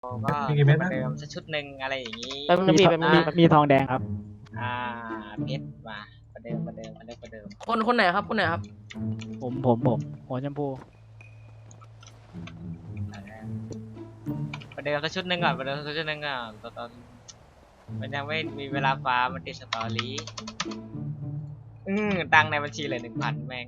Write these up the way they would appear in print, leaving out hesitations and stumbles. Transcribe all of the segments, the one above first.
ก็ประเดิมสักชุดหนึ่งอะไรอย่างนี้มีทองแดงครับเพชรมาประเดิมคนไหนครับคนไหนครับผมหัวชมพูประเดิมสักชุดหนึ่งก่อนตอนมันยังไม่มีเวลาฟาร์มมันติดสตอรี่ตังในบัญชีเลย1,000แม่ง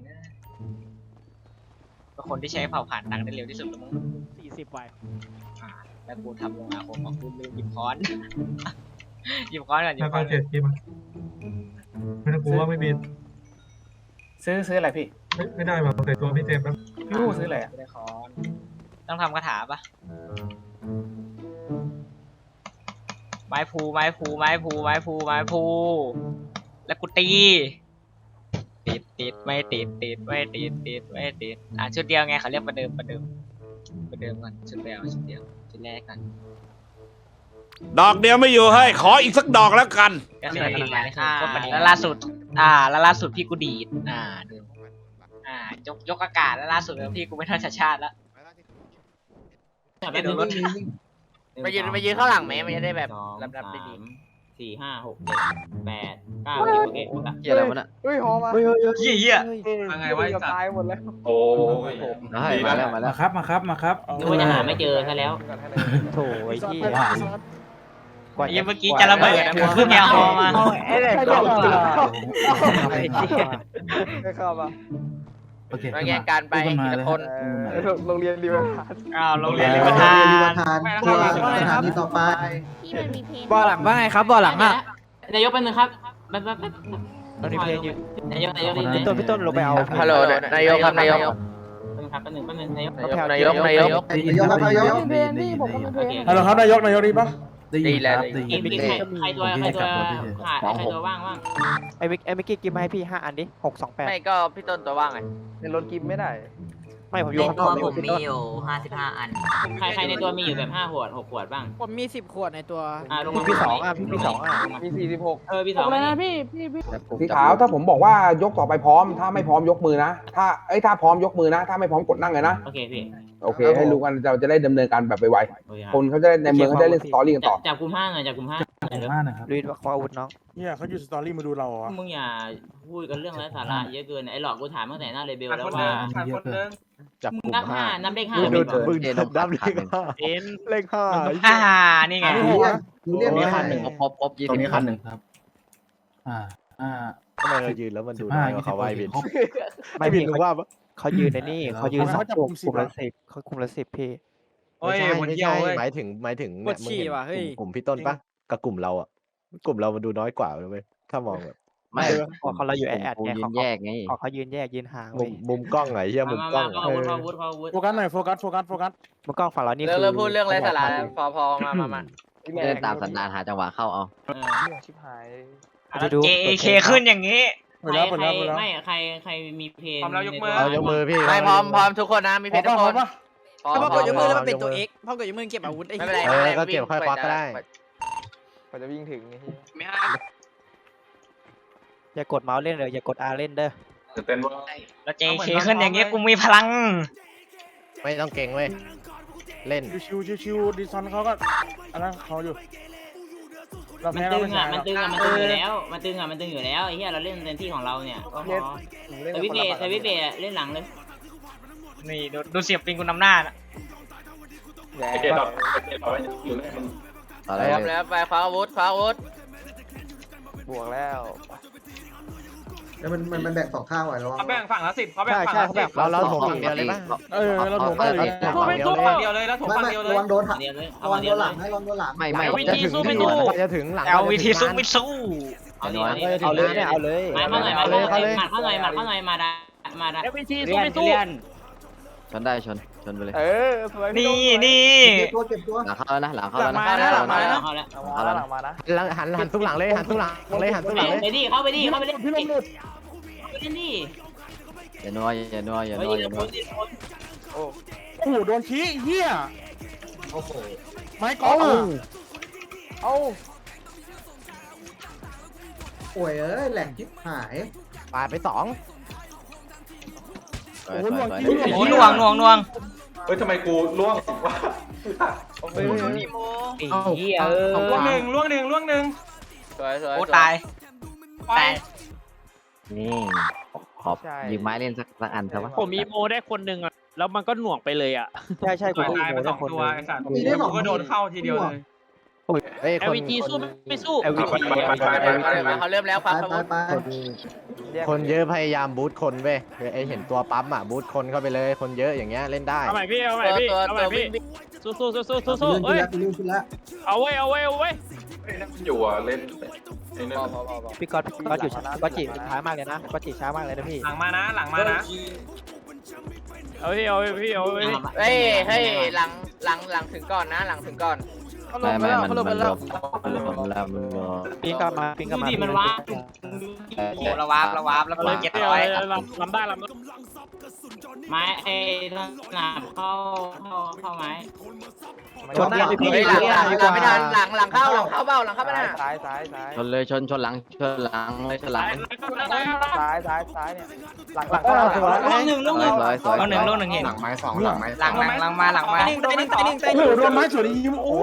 เป็นคนที่ใช้เผาผ่านตังได้เร็วที่สุดแล้วมั้ง 40 ใบแล้วกูทำลงอาคมของกูลืมหยิบค้อน หยิบค้อนก่อนหยิแล้วบค้ก็อนเจ็ดทีมันไม่ต้องกลัวว่าไม่มีซื้ออะไรพี่ไม่ได้มาใส่ตัวพี่เจมส์แล้วพี่ผู้ซื้ออะไรอ่ะไม่ได้ค้อนต้องทำคาถาปะไม้พูแล้วกูตีติดไม่ติดชุดเดียวไงเขาเรียกประเดิมก่อนชุดเดียวชุดแรกกันดอกเดียวไม่อยู่ให้ขออีกสักดอกแล้วกันก็คือประมาณนี้แล้วล่าสุดพี่กูดีดดูยกอากาศแล้วล่าสุดพี่กูไม่ทันชาติแล้วไปดูรถมายืนข้างหลังไหมมันจะได้แบบรับได้ดี 4 5 6 7 8 9 10โอเคหมดละเหี้ยอะไรวะน่ะเฮ้ยหอมาเหี้ยยังไงวะตายหมดแล้วโอ้ยได้มาแล้วมาครับมาครับนึกว่าจะหาไม่เจอซะแล้วโถไอ้ที่เมื่อกี้จะระเบิดนะมึงเพิ่งแกฮอมาไอ้เด็กเข้าไม่เข้ามามาแย่งการไปทีละคนโรงเรียนริวทานโรงเรียนริมทานตัวสถานีต่อไปที่มันมีเพลงบ่อหลังว่าไงครับบ่อหลังอ่ะนายกเป็นหนึ่งครับแป๊บตอนนี้เพลงอยู่นายกพี่ต้นลงไปเอาฮัลโหลนายกครับนายกแป๊บนึงนายกนายกนายกครับนายกฮัลโหลครับนายกดีป่ะดีแล้วใครตัวขาดใครตัวว่างไอ้มิกกี้กินมาให้พี่5 อันดิ628 ไม่ก็พี่ต้นตัวว่างไงในรถกินไม่ได้ไม่ผมอยู่ข้างนอกผมมีอยู่55 อันใครในตัวมีอยู่แบบ5 ขวด 6 ขวดบ้างผมมี10 ขวดในตัวลงมาพี่2อ่ะพี่2อ่ะมี46 พี่สองสีขาวถ้าผมบอกว่ายกต่อไปพร้อมถ้าไม่พร้อมยกมือนะถ้าพร้อมยกมือนะถ้าไม่พร้อมกดนั่งเลยนะโอเคพี่โอเคให้รู้กันเราจะได้ดำเนินการแบบไวๆคนเขาจะได้ในเมืองเขาจะได้เล่นสตอรี่กันต่อจับกลุ่ม5หน่อยจับกลุ่ม5 นะครับลุยขออาวุธน้องเนี่ยเขาอยู่สตอรี่มาดูเราอ่ะมึงอย่าพูดกันเรื่องไร้สาระเยอะเกินไอ้หลอกกูถามตั้งแต่หน้าเรเบลแล้วว่าจับมึกงลุ่นัมบ5นับเลข5 มึงนับเลขเลขนี่ไงเรียกมีคันหนึ่งครบ20 ตรงนี้คันหนึ่งครับทำไมเรายืนแล้วมันดูน้อยกว่าเขาไว้บินไม่พี่เขายืนในนี่เขายืน2กลุ่มละ10เขากลุ่มละ10พี่ไม่ใช่หมายถึงเนี่ยมึงเห็นกลุ่มพี่ต้นปะกับกลุ่มเราอ่ะกลุ่มเรามันดูน้อยกว่าเลยเว้ยถ้ามองแบบไม่เขาเราอยู่แอดยืนแยกไงเขายืนแยกยืนห่างมุมกล้องไงเฮียมุมกล้องอาวุธโฟกัสหน่อยโฟกัสมุมกล้องฝั่งเรานี่เลิกพูดเรื่องไร้สาระพอมาเดินตามสันดานหาจังหวะเข้าเอาชิบหาย JK ขึ้นอย่างนี้ใครมีเพลงเอายกมือพี่ไม่พร้อมทุกคนนะมีเพจทุกคนถ้าพอกดยกมือแล้วมันเป็นตัว X พอกดยกมือเก็บอาวุธไอ้ไม่เป็นไรก็เก็บค่อยควักก็ได้กว่าจะวิ่งถึงนี่อย่ากดเมาส์เล่นเลยอย่ากด R เล่นเด้อแล้ว JK ขึ้นอย่างนี้กูมีพลังไม่ต้องเก่งเว้ยเล่นชิวดิซอนเขาก็อันนั้นเขาอยู่มันตึงอยู่แล้วไอ้เหี้ยเราเล่นเต็มที่ของเราเนี่ยก็พอแต่วิเบเล่นหลังเลยนี่ดูเสียบปิงกูนำหน้านะอะไรแล้วไปคว้าอาวุธบวกแล้วแล้วมันแบ่ง2ข้างไว้แล้วเขาแบ่งฝั่งละ10เขาแบ่งใช่ฝั่งใช่ละเขา 10 แบบเราถงฝั่งเดียวเลยป่ะเราถงก็เลยฝั่งเดียวเลยแล้วถงฝั่งเดียวเลยระวังโดนหักเดียวเลยระวังโดนหลังให้ระวังโดนหลังไม่จะถึงหลังเอาเลยเนี่ยเอาเลยมาเข้าหน่อยมาดาชนได้ชนไปเลยสวยนี่เก็บตัวหลังเข้าแล้วนะหลังเข้าแล้วนะเข้าแล้วหลังมานะหันทุกหลังเลยหันทุกหลังเลยหันทุกหลังเลยไปดิเข้าไปเล่นดิอย่านัวโอ้โหโดนชี้เหี้ยโอ้โหไม้กอล์ฟเอาโอ้ยแหล่งทิพหายปาดไป2 โอ้หน่วงเฮ้ยทำไมกูล่วงวะเฮ้ยไอ้เหี้ยล่วงหนึ่งสวยสวยโอ้ตายตายนี่ขอบยืมไม้เล่นสักอันเถอะวะผมมีโมได้คนหนึ่งอ่ะแล้วมันก็หน่วงไปเลยอ่ะใช่ใช่ผมก็โมได้คนนึงมีได้สองก็โดนเข้าทีเดียวเลยเฮ้ย LVG สู้ไม่สู้เขาเริ่มแล้วครับคนเยอะพยายามบูทคนเว้ยไอเห็นตัวปั๊มอ่ะบูทคนเข้าไปเลยคนเยอะอย่างเงี้ยเล่นได้เอาใหม่พี่เอาใหม่พี่เอาใหม่พี่สู้เอ้ยเอาไว้อยู่อ่ะเล่นพี่ก๊อตอยู่ช้าก๊อตจีช้ามากเลยนะก๊อตจีช้ามากเลยนะพี่หลังมานะเอาพี่เฮ้ยหลังถึงก่อนนะหลังถึงก่อนไม่มันลบปิงก็มาดูดิมันว้าโอ้โหระวาบแล้วเปิด700 ลำได้ไม้ไอ้หนาเข้าไม้ชนหน้าพี่เฮ้ยหลังไม่ทันหลังเข้าเบ้าหลังเข้าไม่ได้ซ้ายชนเลยชนหลังเลยชนหลังซ้ายเนี่ยหลังลูกหนึ่งลูกหนึ่งเห็นหลังไม้สองหลังไม้หลังมาโดนไม้สวนยิมโอ้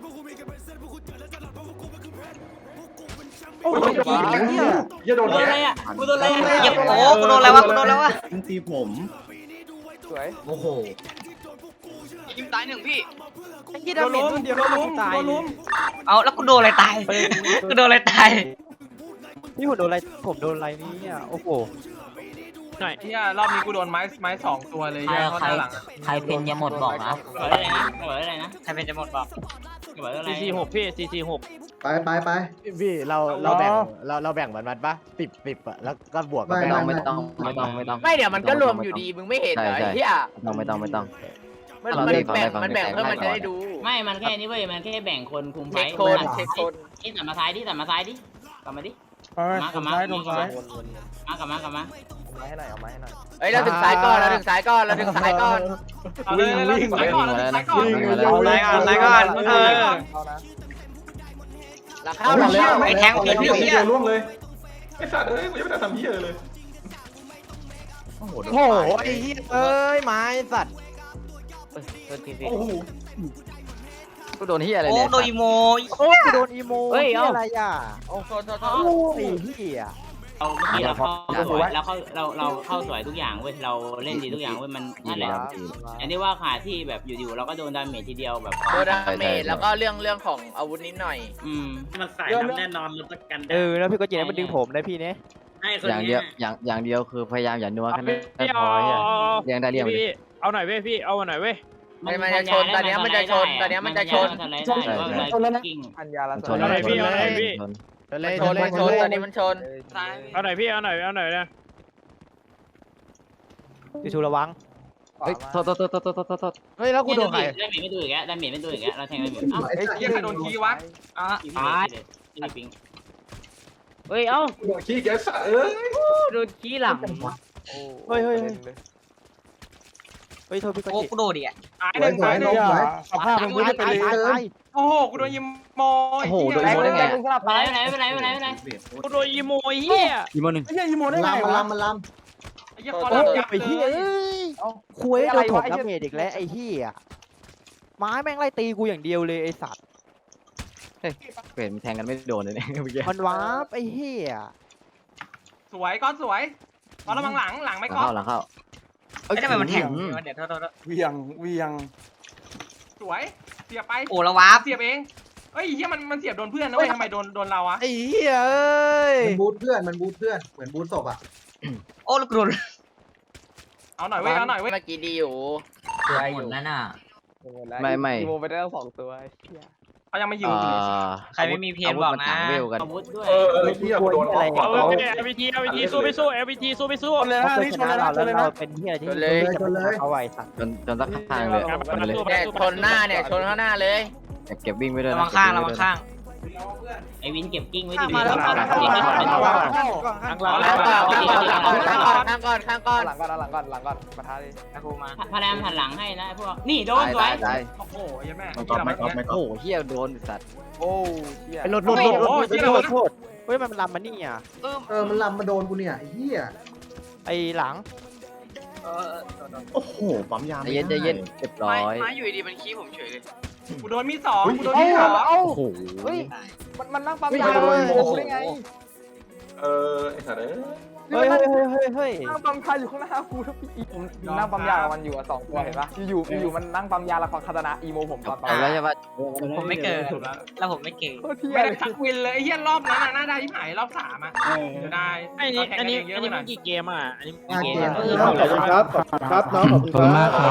โอ้ยอย่าโดนอะไรอ่ะกูโดนอะไรเหยียบโอ้กูโดนอะไรวะตีผมสวยโอ้โหยิงตาย1พี่โดนล้มเดี๋ยวโดนล้มเอาแล้วกูโดนอะไรตายกูโดนอะไรตายนี่ผมโดนอะไรนี่อ่ะโอ้โหหน่อยที่รอบนี้กูโดนไม้2ตัวเลยเข้าหลังใครเป็นยังหมดบอกนะเปิดอะไรนะใครเป็นจะหมดบอกเปิดอะไร 446พี่446 ไปพี่เราแบ่งมันปะ10อ่ะแล้วก็บวกกันไปไม่ต้องไม่เดี๋ยวมันก็รวมอยู่ดีมึงไม่เห็นเหรอไอ้เหี้ยไม่ต้องมันแบ่งเพื่อมันจะได้ดูไม่มันแค่นี้เว้ยมันแค่แบ่งคนคุมไฟเช็คคนนี่ตัดมาซ้ายดิกลับมาดิกลับมาตรงซ้ายกลับมาเอาไม้ให้หน่อยเฮ้ยเราถึงซ้ายก่อนเอาเลยวิ่งก่อนซ้ายก่อนหลังเข้าหลังเข้าไอ้แทงผิดพี่เหี้ยล่วงเลยไอ้สัตว์เอ้ยกูยังไม่ได้ทำเหี้ยเลยโอ้โหไอ้เหี้ยเอ้ยไม้สัตว์โอ้โหกูโดนเฮียอะไรโอ้เนี่ยโดนอีโมโอ้กูโดนอีโมเฮ้ยอะไรอ่ะโอ้โหโอ้ยเฮียเราเมื่อกี้เราเข้าสวยเราเข้าสวยทุกอย่างเว้ยเราเล่นดีทุกอย่างเว้ยมันนั่นแหละอย่างที่ว่าขาที่แบบอยู่ๆเราก็โดนดาเมจทีเดียวแบบโดนดาเมจแล้วก็เรื่องของอาวุธนิดหน่อยมันใส่น้ำแน่นอนมันประกันแล้วพี่ก็จีนมันดึงผมนะพี่เนี่ยอย่างเดียวอย่างเดียวคือพยายามอย่านัวแค่นั้นพี่พอเรียงได้เรียงเอาหน่อยเว้ยพี่เอาหน่อยเว้ยมันจะชนตอนนี้มันจะชนกิ้งอัญญาละเอาหน่อยพี่ชนตอนนี้มันชนเอาหน่อยพี่เอาหน่อยนะพี่ชูระวังเฮ้ยโทษเฮ้ยแล้วกูโดนใครได้เมจไม่ดูอีกแล้วเราแทงได้เมจอ้าวไอ้เหี้ยใครโดนขี้วะปิงเฮ้ยเอ้าโดนขี้แกสัตว์เอ้ยโดนขี้หลังเฮ้ยโทษพี่ก็โอ้จีกูโดนดิอ่ะตายหนึ่งสภาพมันไม่เป็นเลยโอ้โหกูโดนยิมโมโอ้โหโดนอีโมได้ไงไม่ไรกูโดนยิมโมเหี้ยอีโม1 ไอ้เหี้ยยิมโมได้ไงวะไอ้เหี้ยคอโอ้ร์ยยับไอ้เหี้ยคุยโดนถมดาเมจอีกแล้วไอ้เหี้ยไม้แม่งไล่ตีกูอย่างเดียวเลยไอ้สัตว์เห็นแทงกันไม่โดนเลยเนี่ยเมื่อกี้มันวาร์ปไอ้เหี้ยสวยก้อนสวยตอนระวังหลังไม่ก้อนหลังเข้าไอ้ทำไมมันแทงเดี๋ยวโทษเวียงสวยเสียบไปโอ้ระวาบเสียบเองเฮ้ยเหี้ยมันเสียบโดนเพื่อนนะเว้ยทำไมโดนเราอะไอ้เหี้ยเอ้ยมันบูทเพื่อนเหมือนบูทศพอ่ะโอ้ลูกโดนเอาหน่อยเว้ยเมื่อกี้ดีอยู่ตัวหมดนั่นน่ะไม่โมไปได้ทั้ง2ตัวเขายังไม่อยู่ใครไม่มีเพนบอกนะอาวุธด้วยเหี้ยกูโดนอะไรเอา LVG สู้ไม่สู้ LVG สู้ไม่สู้เลยเขาชนะเราแล้วเราเป็นเหี้ยที่เอาไว้สัตว์จนสักทางเลยเนี่ยชนหน้าเนี่ยชนข้างหน้าเลยเก็บวิ่งไปด้วยระวังข้างไอวินเก็บกิ้งไว้ดิข้างก่อนหลังก่อนประทาเลยพารามหันหลังให้นะพวกนี่โดนสวยโอ้โหยังแม่โอ้เหี้ยโดนสัตว์โอ้เหี้ยไอ้รถโทษเฮ้ยมันลำมานี่อ่ะมันลำมาโดนกูเนี่ยเฮียไอ้หลังโอ้โหปั๊มยาใจเย็นใจเย็นเรียบร้อยไม้อยู่ดีมันขี้ผมเฉยเลยกูโดนมีด2กูโดนมีด2 โอ้โหเฮ้ยมันนั่งปั๊มยาเลยโอ้โหได้ไงไอ้สัตว์เอ้ยเฮ้ยเฮ้ยเฮ้ยเฮ้ยนั่งปั๊มยาอยู่ข้างหน้ากูแล้วพี่ผมนั่งปั๊มยากับมันอยู่2ตัวเห็นปะอยู่มันนั่งปั๊มยาแล้วคาตานะอีโมผมตอนปั๊มแล้วใช่ปะผมไม่เกิดแล้วผมไม่เก่งโคตรเที่ยไม่เลได้ยทักวินเลยไอ้เหี้ยรอบนั้นน่าได้ที่หายรอบ3อ่ะเดี๋ยวได้อันนี้มันกี่เกมอ่ะอันนี้กี่เกมขอบคุณครับขอบคุณครับน้องขอบคุณมากครับ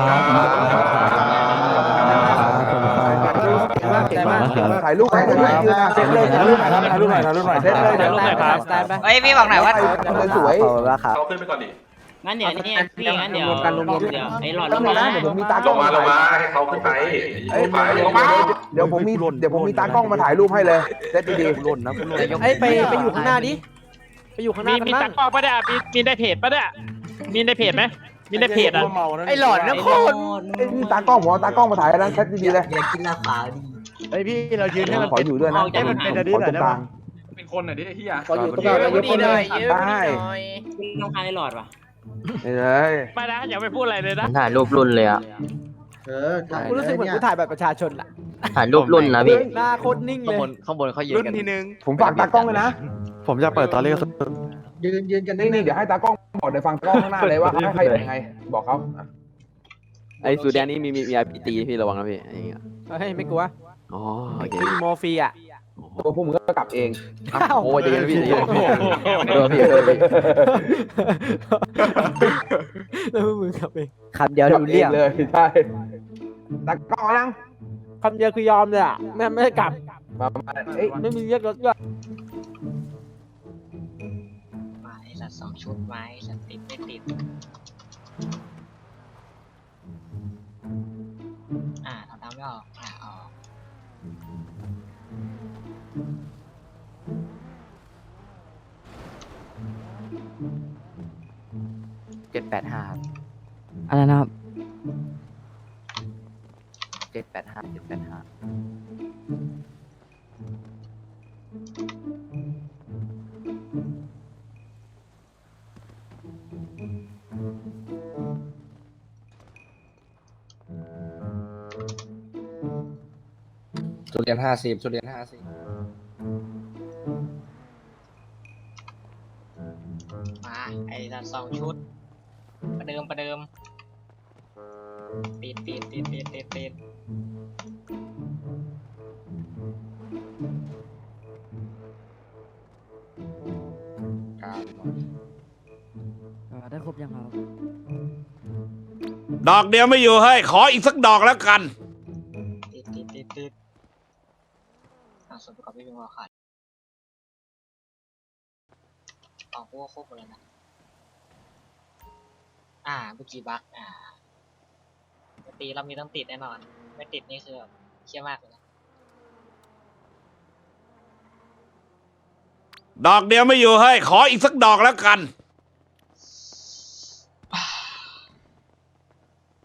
ถ่ายรูปให้ถ่ายรูปเซ็ตเลยถ่ายรูปหน่อยถ่ายรูปหน่อยเซ็ตเลยถ่ายรูปหน่อยครับเฮ้ยพี่บอกหน่อยว่าสวยเขาขึ้นไปก่อนดิงั้นเดี๋ยวนี่พี่งั้นเดี๋ยวไอ้หลอดลต้องงมามานะเดี๋ยวผมมีตาลงมาให้เขาขึ้นไปเดี๋ยวผมมีตากล้องมาถ่ายรูปให้เลยเซ็ตดีหล่นนะคุณหล่นไอ้ไปอยู่ข้างหน้าดิไปอยู่ข้างหน้ามีตะกร้อปะเนี่ยมีในเพจปะเนี่ยมีในเพจไหมมีในเพจอ่ะไอ้หลอดนะคนๆมีตากล้องผมเอาตากล้องมาถ่ายแล้วเซ็ตดีๆเลยอยากกินลาขาวดีไอ้พี่เรายืนให้มันขออยู่ด้วยนะเอาจากมันเป็นขอตรงกลางเป็นคนหน่อยดิไอ้เหี้ยขออยู่ตรงกลางยกคนเลยได้ต้องการไอ้หลอดป่ะนี่เลยไม่นะอย่าไปพูดอะไรเลยนะถ่ายรูปรุ่นเลยอ่ะกูรู้สึกเหมือนกูถ่ายแบบประชาชนอะถ่ายรูปรุ่นนะพี่หน้าโคตรนิ่งเลยข้างบนเขายืนกันทีนึงผมฝากตากล้องเลยนะผมจะเปิดตอนเรียกยืนกันนี่เดี๋ยวให้ตากล้องบอกเดี๋ยวฟังกล้องข้างหน้าเลยว่าให้ใครยังไงบอกเขาไอ้สูแดงนี่มีตีพี่ระวังนะพี่เฮ้ยไม่กลัวอ๋อโอเคมีโมฟีอ่ะตัวพวกมึงก็กลับเองโอ้ยจะยังพี่แล้วมึงกลับเองคำเดียวดูเรียกเลยใช่ตากล้องยังคำเดียวคือยอมเลยอ่ะไม่ได้กลับมาเอ้ยไม่มีเรียกรถด้วยมาไอ้สัตว์2 ชุดไม้สัตว์ติดไม่ติดทำไม่ออกออก 785 อะไรนะครับ 785 ชุดเรียน50ชุดเรียน50 มาไอ้สัตว์2 ชุดประเดิมติดได้ครบยังครับดอกเดียวไม่อยู่เฮ้ยขออีกสักดอกแล้วกันติดส่วนประกอบไม่เป็นหัวขาดพวกครบหมดแล้วนะเมื่อกี้บั๊กตีเรามีต้องติดแน่นอนไม่ติดนี่คือแบบเชี่ยมากเลยนะดอกเดียวไม่อยู่เฮ้ยขออีกสักดอกแล้วกัน